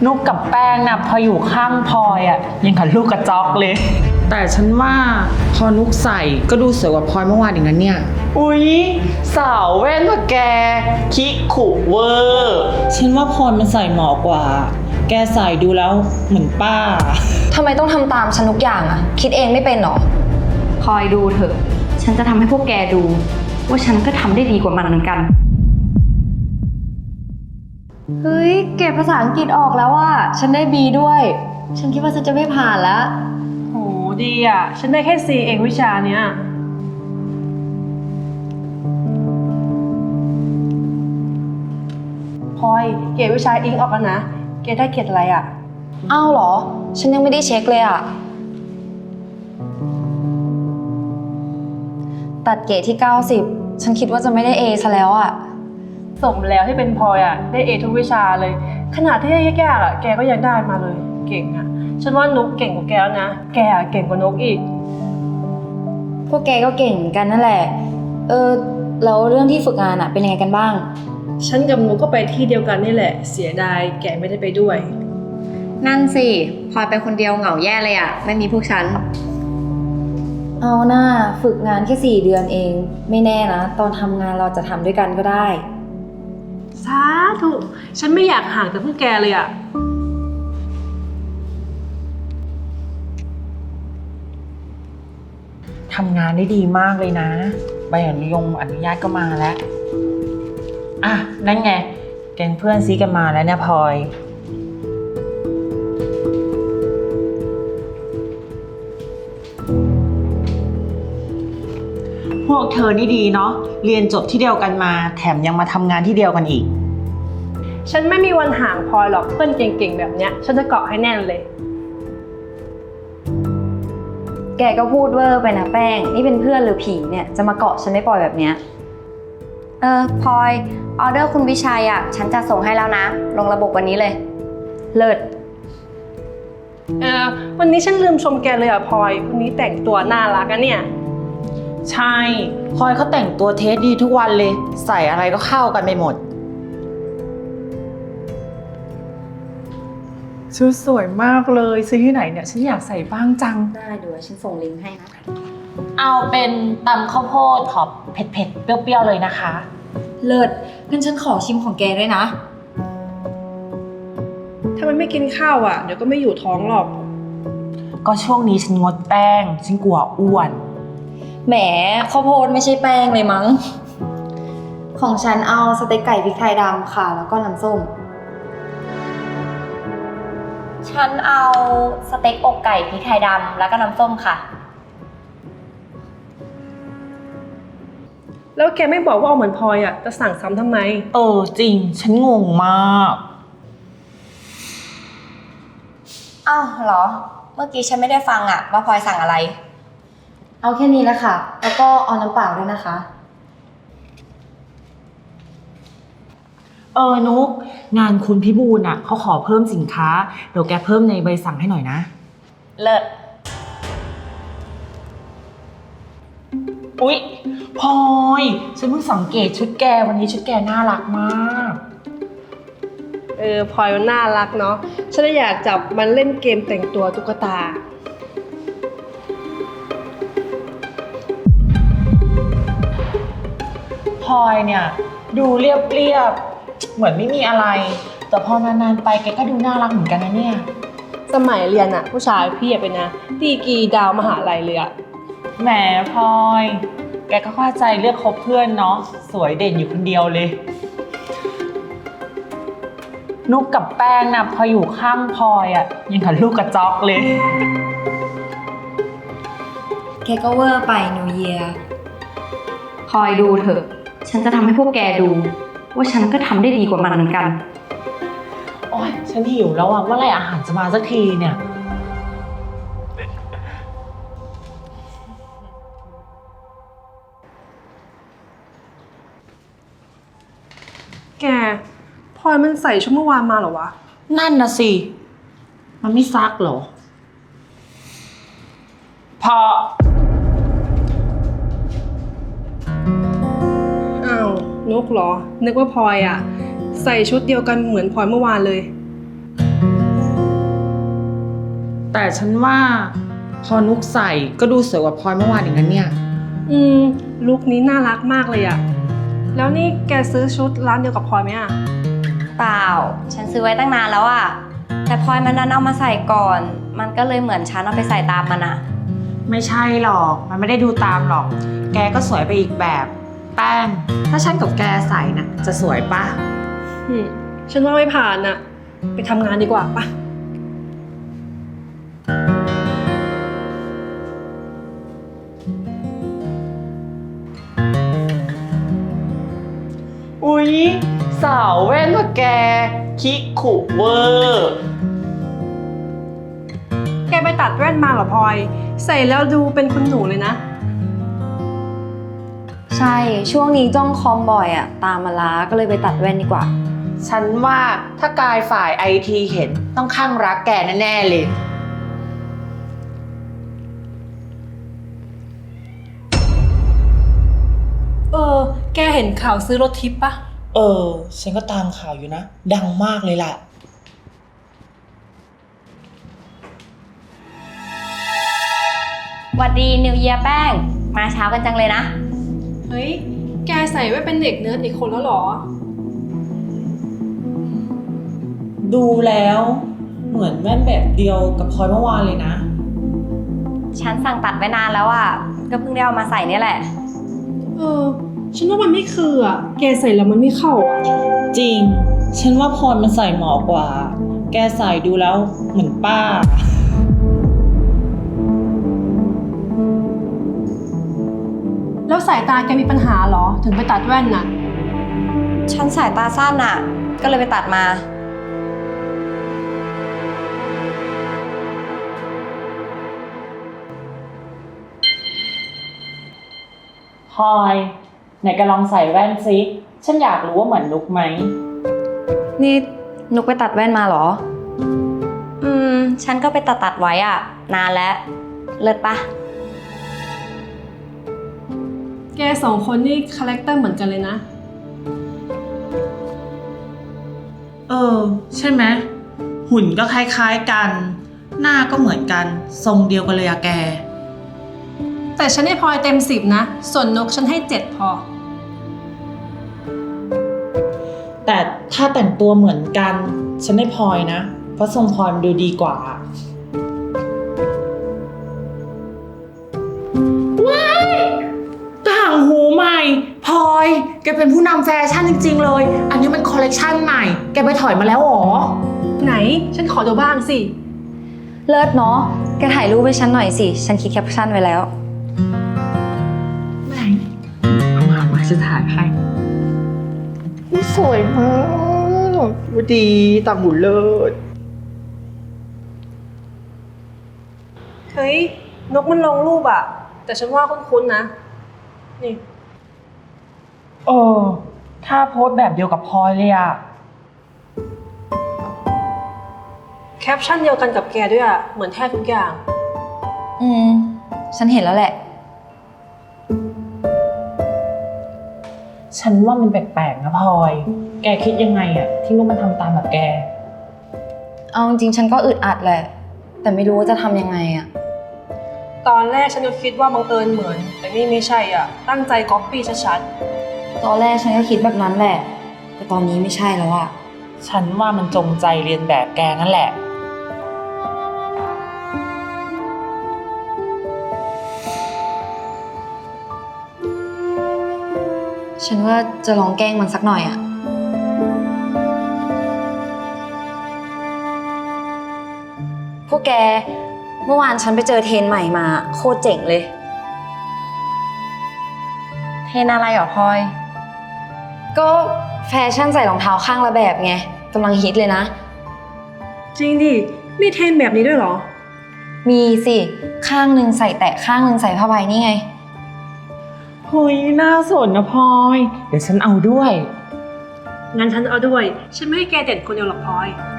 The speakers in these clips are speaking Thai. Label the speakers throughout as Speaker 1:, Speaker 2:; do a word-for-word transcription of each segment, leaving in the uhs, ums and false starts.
Speaker 1: นุกกับแป้งนะพออยู่ข้างพลอยอ่ะยังกับลูกกระจอกเลยแต่ฉันว่าพอนุกใส่ก็ดูสวยกว่าพลอยเมื่อวานอีกนั้นเนี่ยอุ๊ยสาวแว่นว่ะแกคิกขู่เวอร์ฉันว่าพลอยมันใส่เหมาะกว่าแกใส่ดูแล้วเหมือนป้า
Speaker 2: ทำไมต้องทำตามฉันทุกอย่างอะคิดเองไม่เป็นหรอ
Speaker 3: คอยดูเถอะฉันจะทำให้พวกแกดูว่าฉันก็ทำได้ดีกว่ามันเหมือนกัน
Speaker 2: เฮ้ยเก็บภาษาอังกฤษออกแล้วอะฉันได้ บี ด้วยฉันคิดว่าฉันจะไม่ผ่านแล้ว
Speaker 4: โหดีอ่ะฉันได้แค่ ซี เองวิชาเนี้ยพลอยเกรดวิชาอิงออกแล้วนะเกรดได้เกรดอะไรอ่ะ
Speaker 2: อ้าวเหรอฉันยังไม่ได้เช็คเลยอะตัดเกรดที่เก้าสิบฉันคิดว่าจะไม่ได้ เอ ซะแล้วอะ
Speaker 4: สมแล้วที่เป็นพลอยอ่ะได้เอทุกวิชาเลยขนาดที่ยากๆอ่ะแกก็ยังได้มาเลยเก่งอ่ะฉันว่านุกเก่งกว่าแกแล้วนะแกเก่งกว่านุกอีก
Speaker 2: พวกแกก็เก่งเหมือนกันนั่นแหละเออแล้วเรื่องที่ฝึกงานอะเป็นยังไงกันบ้าง
Speaker 4: ฉันกับนุกก็ไปที่เดียวกันนี่แหละเสียดายแกไม่ได้ไปด้วย
Speaker 3: นั่นสิพลอยไปคนเดียวเหงาแย่เลยอะไม่มีพวกฉัน
Speaker 2: เอาหน้าฝึกงานแค่สี่เดือนเองไม่แน่นะตอนทำงานเราจะทำด้วยกันก็ได้
Speaker 4: สาธุฉันไม่อยากห่างจากพวกแกเลยอะ
Speaker 1: ทำงานได้ดีมากเลยนะใบอนุญงอนุญาตก็มาแล้วอ่ะนั่นไงแก๊งเพื่อนซีกันมาแล้วเนี่ยพลอยพวกเธอนี่ดีเนาะเรียนจบที่เดียวกันมาแถมยังมาทำงานที่เดียวกันอีก
Speaker 4: ฉันไม่มีวันห่างพลอยหรอกเพื่อนเก่งๆแบบเนี้ยฉันจะเกาะให้แน่นเลย
Speaker 2: แกก็พูดเวอร์ไปนะแป้งนี่เป็นเพื่อนหรือผีเนี่ยจะมาเกาะฉันไม่ปล่อยแบบเนี้ยเออพลอยออเดอร์คุณวิชัยอ่ะฉันจะส่งให้แล้วนะลงระบบวันนี้เลยเลิศ
Speaker 4: เออวันนี้ฉันลืมชมแกเลยอ่ะพลอยวันนี้แต่งตัวน่ารักอะเนี่ย
Speaker 1: ใช่พลอยเขาแต่งตัวเทสดีทุกวันเลยใส่อะไรก็เข้ากันไปหมดชุดสวยมากเลยซื้อที่ไหนเนี่ยฉันอยากใส่บ้างจัง
Speaker 2: ได้เดี๋ยวฉันส่งลิงก์ให้นะ
Speaker 1: เอาเป็นตำข้าวโพดขอบเผ็ดๆเปรี้ยวๆเลยนะคะ
Speaker 2: เลิศงั้นฉันขอชิมของแกด้วยนะ
Speaker 4: ถ้ามันไม่กินข้าวอ่ะเดี๋ยวก็ไม่อยู่ท้องหรอก
Speaker 1: ก็ช่วงนี้ฉันงดแป้งฉันกลัวอ้วน
Speaker 2: แหมข้าวโพดไม่ใช่แป้งเลยมั้งของฉันเอาสเต็กไก่พริกไทยดำค่ะแล้วก็น้ำส้มฉันเอาสเต็กอกไก่พริกไทยดำแล้วก็น้ำส้มค่ะ
Speaker 4: แล้วแกไม่บอกว่าเอาเหมือนพลอยอ่ะจะสั่งซ้ำทำไม
Speaker 1: เออจริงฉันงงมาก
Speaker 2: อ้าวเหรอเมื่อกี้ฉันไม่ได้ฟังอ่ะว่าพลอยสั่งอะไรเอาแค่นี้แหละค่ะแล้วก็เอาน้ำเปล่าด้วยนะคะ
Speaker 1: เออนุกงานคุณพิบูลอ่ะเขาขอเพิ่มสินค้าเดี๋ยวแกเพิ่มในใบสั่งให้หน่อยนะ
Speaker 2: เลิศ
Speaker 1: อุ๊ยพลอยฉันเพิ่งสังเกตชุดแกวันนี้ชุดแกน่ารักมาก
Speaker 4: เออพลอยมันน่ารักเนาะฉันอยากจับมันเล่นเกมแต่งตัวตุ๊กตา
Speaker 1: พลอยเนี่ยดูเรียบๆเหมือนไม่มีอะไรแต่พอนานๆไปแกก็ดูน่ารักเหมือนกันนะเนี่ย
Speaker 4: สมัยเรียนอะผู้ชายพี่เป็นนะดีกรีดาวมหาลัยเลยอะ
Speaker 1: แหมพลอยแกก็เข้าใจเลือกคบเพื่อนเนาะสวยเด่นอยู่คนเดียวเลยนุกกับแป้งนะพออยู่ข้างพลอยอะยังกับลูกกระจอกเลย
Speaker 2: แกก็เวอร์ไปนิวเยียร์
Speaker 3: คอยดูเถอะฉันจะทำให้พวกแกดูว่าฉันก็ทำได้ดีกว่ามันเหมือนกัน
Speaker 1: โอ๊ยฉันหิวแล้วอะเมื่อไหร่อาหารจะมาสักทีเนี่ย
Speaker 4: แกพลอยมันใส่ชุดเมื่อวานมาเหรอวะ
Speaker 1: นั่นน่ะสิมันไม่ซักเหรอพอ
Speaker 4: อ้าวนุกเหรอนึกว่าพลอยอ่ะใส่ชุดเดียวกันเหมือนพลอยเมื่อวานเลย
Speaker 1: แต่ฉันว่าพอนุกใส่ก็ดูสวยกว่าพลอยเมื่อวานอีกนั้นเนี่ย
Speaker 4: อืมลุคนี้น่ารักมากเลยอะแล้วนี่แกซื้อชุดร้านเดียวกับพลอยไหมอะ
Speaker 2: เปล่า ฉันซื้อไว้ตั้งนานแล้วอะแต่พลอยมันนั้นเอามาใส่ก่อน มันก็เลยเหมือนฉันเอาไปใส่ตามมันอะ
Speaker 1: ไม่ใช่หรอก มันไม่ได้ดูตามหรอก แกก็สวยไปอีกแบบ แป้ง ถ้าฉันกับแกใส่นะจะสวยปะ
Speaker 4: อืมฉันว่าไม่ผ่านอะไปทำงานดีกว่าปะ
Speaker 1: อุ๊ย สาวแว่นว่ะแก คิกขุเวอร์
Speaker 4: แกไปตัดแว่นมาเหรอพลอย ใส่แล้วดูเป็นคุณหนูเลยนะ
Speaker 2: ใช่ ช่วงนี้จ้องคอมบ่อยอะตามมาล้าก็เลยไปตัดแว่นดีกว่า
Speaker 1: ฉันว่าถ้ากายฝ่ายไอทีเห็นต้องข้างรักแกแน่ๆเลย
Speaker 4: เออ แกเห็นข่าวซื้อรถทิปปะ
Speaker 1: เออ ฉันก็ตามข่าวอยู่นะ ดังมากเลยล่ะ
Speaker 2: หวัดดีนิวเยียแป้ง มาเช้ากันจังเลยนะ
Speaker 4: เฮ้ย แกใส่ไว้เป็นเด็กเนิร์ดอีกคนแล้วเหรอ
Speaker 1: ดูแล้วเหมือนแว่นแบบเดียวกับพลอยเมื่อวานเลยนะ
Speaker 2: ฉันสั่งตัดไว้นานแล้วอะก็เพิ่งได้เอามาใส่เนี่ยแหละ
Speaker 4: เออ ฉันว่ามันไม่คืออะแกใส่แล้วมันไม่เข้าอะ
Speaker 1: จริง ฉันว่าพลอยมันใส่เหมาะกว่า แกใส่ดูแล้วเหมือนป้า
Speaker 4: แล้วสายตาแกมีปัญหาเหรอ ถึงไปตัดแว่นน่ะ
Speaker 2: ฉันสายตาสั้นอะก็เลยไปตัดมา
Speaker 1: พลอยไหนแกลองใส่แว่นซิฉันอยากรู้ว่าเหมือนนุกไหม
Speaker 2: นี่นุกไปตัดแว่นมาเหรอ อืม ฉันก็ไปตัดตัดไว้อะนานแล้ว เลิศปะ
Speaker 4: แกสองคนนี่คาแรคเตอร์เหมือนกันเลยนะ
Speaker 1: เออ ใช่ไหมหุ่นก็คล้ายๆกัน หน้าก็เหมือนกัน ทรงเดียวกันเลยอะแก
Speaker 4: แต่ฉันให้พลอยเต็มสิบนะ ส่วนนกฉันให้เจ็ดพอ
Speaker 1: แต่ถ้าแต่งตัวเหมือนกัน ฉันได้พลอยนะ เพราะทรงพลอยมันดูดีกว่า ว้ายต่างหูใหม่พลอยแกเป็นผู้นำแฟชั่นจริงๆเลย อันนี้มันคอลเลกชันใหม่ แกไปถอยมาแล้วเหรอ
Speaker 4: ไหน ฉันขอดูบ้างสิ
Speaker 2: เลิศเนาะ แกถ่ายรูปให้ฉันหน่อยสิ ฉันคิดแคปชั่นไว้แล้ว
Speaker 1: ไหนเอามามาจะถ่ายให้สวยมากดีต่างหูเลิศ
Speaker 4: เฮ้ย นกมันลงรูปอะแต่ฉันว่าคุ้นๆนะ นี่
Speaker 1: เออ ถ้าโพสต์แบบเดียวกับพลอยเลยอะ
Speaker 4: แคปชั่นเดียวกันกับแกด้วยอะเหมือนแทบทุกอย่าง
Speaker 2: อืม ฉันเห็นแล้วแหละ
Speaker 1: ฉันว่ามันแปลกๆนะพลอย แกคิดยังไงอะที่ลูกมันทำตามแบบแก
Speaker 2: เอาจริงๆฉันก็อึดอัดแหละ แต่ไม่รู้ว่าจะทำยังไงอะ
Speaker 4: ตอนแรกฉันก็คิดว่าบังเอิญเหมือน แต่นี่ไม่ใช่อ่ะ ตั้งใจก๊อปปี้ชัด
Speaker 2: ตอนแรกฉันก็คิดแบบนั้นแหละ แต่ตอนนี้ไม่ใช่แล้วอะ
Speaker 1: ฉันว่ามันจงใจเรียนแบบแกนั่นแหละ
Speaker 2: ฉันว่าจะลองแกล้งมันสักหน่อยอะพวกแก เมื่อวานฉันไปเจอเทรนด์ใหม่มา โคตรเจ๋งเลย เทรนด์อะไรเหรอพลอย ก็แฟชั่นใส่รองเท้าข้างละแบบไงกำลังฮิตเลยนะ
Speaker 4: ๆ จริงดิ มีเทรนแบบนี้ด้วยเหรอ
Speaker 2: มีสิ ข้างหนึ่งใส่แตะข้างหนึ่งใส่ผ้าใบนี่ไง
Speaker 1: เฮ้ย น่าสนนะพลอย เดี๋ยวฉันเอาด้วย
Speaker 4: งั้นฉันเอาด้วย ฉันไม่ให้แกเด็ดคนเดียวหรอกพลอย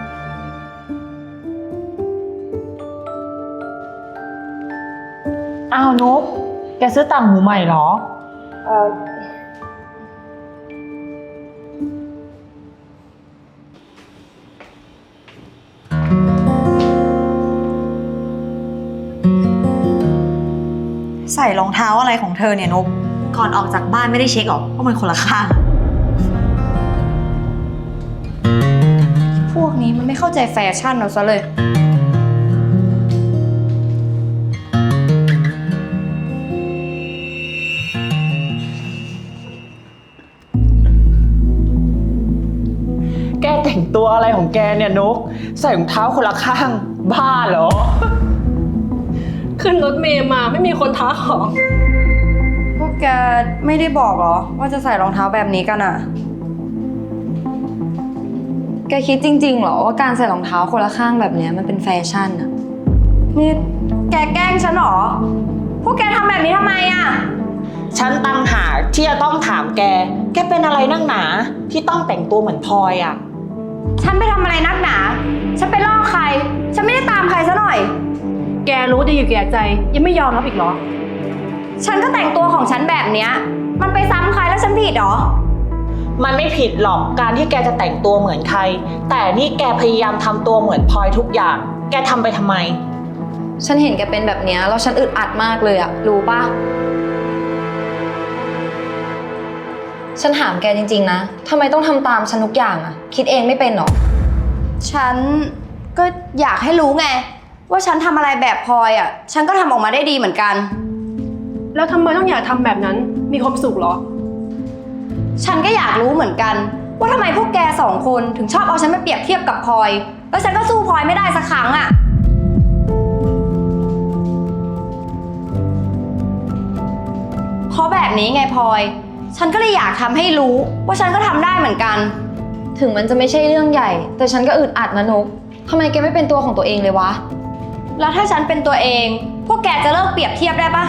Speaker 1: อ้าวนุ๊กแกซื้อต่างหูใหม่เหรอ
Speaker 2: เออ
Speaker 5: ส่รองเท้าอะไรของเธอเนี่ยนุกก่อนออกจากบ้านไม่ได้เช็คหรอว่ามันคนละข้าง
Speaker 2: พวกนี้มันไม่เข้าใจแฟชั่นเราซะเลย
Speaker 1: แกแต่งตัวอะไรของแกเนี่ยนก ใส่รองเท้าคนละข้าง บ้าเหรอ
Speaker 4: ขึ้นรถเมย์มาไม่มีคนท้าของ
Speaker 2: พวกแกไม่ได้บอกเหรอว่าจะใส่รองเท้าแบบนี้กันอะแกคิดจริงๆเหรอว่าการใส่รองเท้าคนละข้างแบบเนี้ยมันเป็นแฟชั่นอะนี่แกแกล้งฉันเหรอ พวกแกทำแบบนี้ทำไมอะ
Speaker 1: ฉันตั้งหากที่จะต้องถามแก แกเป็นอะไรนักหนาที่ต้องแต่งตัวเหมือนพลอยอะ
Speaker 2: ฉันไปทำอะไรนักหนา ฉันไปล่อใคร ฉันไม่ได้ตามใครซะหน่อย
Speaker 4: แกรู้ดีอยู่แก่ใจ ยังไม่ยอมรับอีกเหรอ
Speaker 2: ฉันก็แต่งตัวของฉันแบบเนี้ย มันไปซ้ำใครแล้วฉันผิดเหรอ
Speaker 1: มันไม่ผิดหรอกการที่แกจะแต่งตัวเหมือนใคร แต่นี่แกพยายามทำตัวเหมือนพลอยทุกอย่าง แกทำไปทำไม
Speaker 2: ฉันเห็นแกเป็นแบบเนี้ยแล้วฉันอึดอัดมากเลยอะรู้ปะฉันถามแกจริงๆนะทำไมต้องทำตามฉันทุกอย่างอะคิดเองไม่เป็นหรอ ฉันก็อยากให้รู้ไง ว่าฉันทำอะไรแบบพลอยอะฉันก็ทำออกมาได้ดีเหมือนกัน
Speaker 4: แล้วทำไมต้องอยากทำแบบนั้น มีความสุขเหรอ
Speaker 2: ฉันก็อยากรู้เหมือนกัน ว่าทำไมพวกแกสองคนถึงชอบเอาฉันไปเปรียบเทียบกับพลอย แล้วฉันก็สู้พลอยไม่ได้สักครั้งอะเพราะแบบนี้ไงพลอย ฉันก็เลยอยากทำให้รู้ว่าฉันก็ทำได้เหมือนกัน ถึงมันจะไม่ใช่เรื่องใหญ่ แต่ฉันก็อึดอัดนะนุกทำไมแกไม่เป็นตัวของตัวเองเลยวะ แล้วถ้าฉันเป็นตัวเอง พวกแกจะเลิกเปรียบเทียบได้ปะ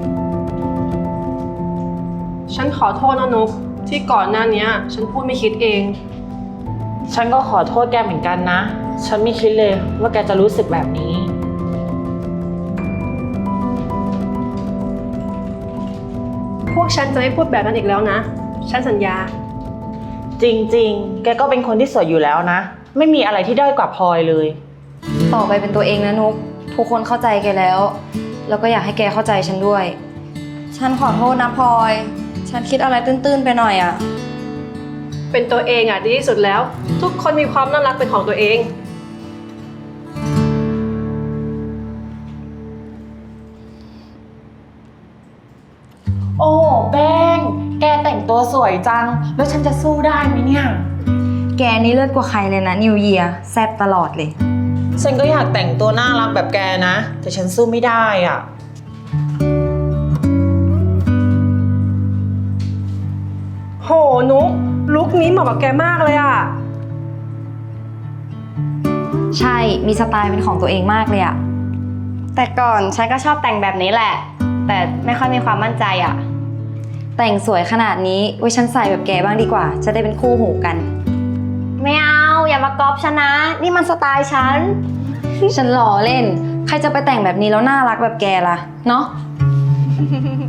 Speaker 4: ฉันขอโทษนะนุกที่ก่อนหน้านี้ฉันพูดไม่คิดเอง
Speaker 1: ฉันก็ขอโทษแกเหมือนกันนะ ฉันไม่คิดเลยว่าแกจะรู้สึกแบบนี้
Speaker 4: พวกฉันจะไม่พูดแบบนั้นอีกแล้วนะ ฉันสัญญา
Speaker 1: จริงๆ แกก็เป็นคนที่สวยอยู่แล้วนะ ไม่มีอะไรที่ด้อยกว่าพลอยเลย
Speaker 2: ต่อไปเป็นตัวเองนะนุกทุกคนเข้าใจแกแล้ว แล้วก็อยากให้แกเข้าใจฉันด้วย ฉันขอโทษนะพลอย ฉันคิดอะไรตื้นๆไปหน่อยอะ
Speaker 4: เป็นตัวเองอ่ะดีที่สุดแล้ว ทุกคนมีความน่ารักเป็นของตัวเอง
Speaker 1: โอ้แป้ง แกแต่งตัวสวยจัง แล้วฉันจะสู้ได้ไหมเนี่ย
Speaker 2: แกนี่เลิศกว่าใครเลยนะนิวเยียแซ่บตลอดเลย
Speaker 1: ฉันก็อยากแต่งตัวน่ารักแบบแกนะ แต่ฉันสู้ไม่ได้อ่ะ
Speaker 4: โหนุกลุคนี้เหมาะกับแกมากเลยอ่ะ
Speaker 2: ใช่มีสไตล์เป็นของตัวเองมากเลยอะแต่ก่อนฉันก็ชอบแต่งแบบนี้แหละ แต่ไม่ค่อยมีความมั่นใจอะแต่งสวยขนาดนี้ไว้ฉันใส่แบบแกบ้างดีกว่า จะได้เป็นคู่หูกัน ไม่เอาอย่ามาก๊อปฉันนะ นี่มันสไตล์ฉัน ฉันหล่อเล่น ใครจะไปแต่งแบบนี้แล้วน่ารักแบบแกล่ะเนาะ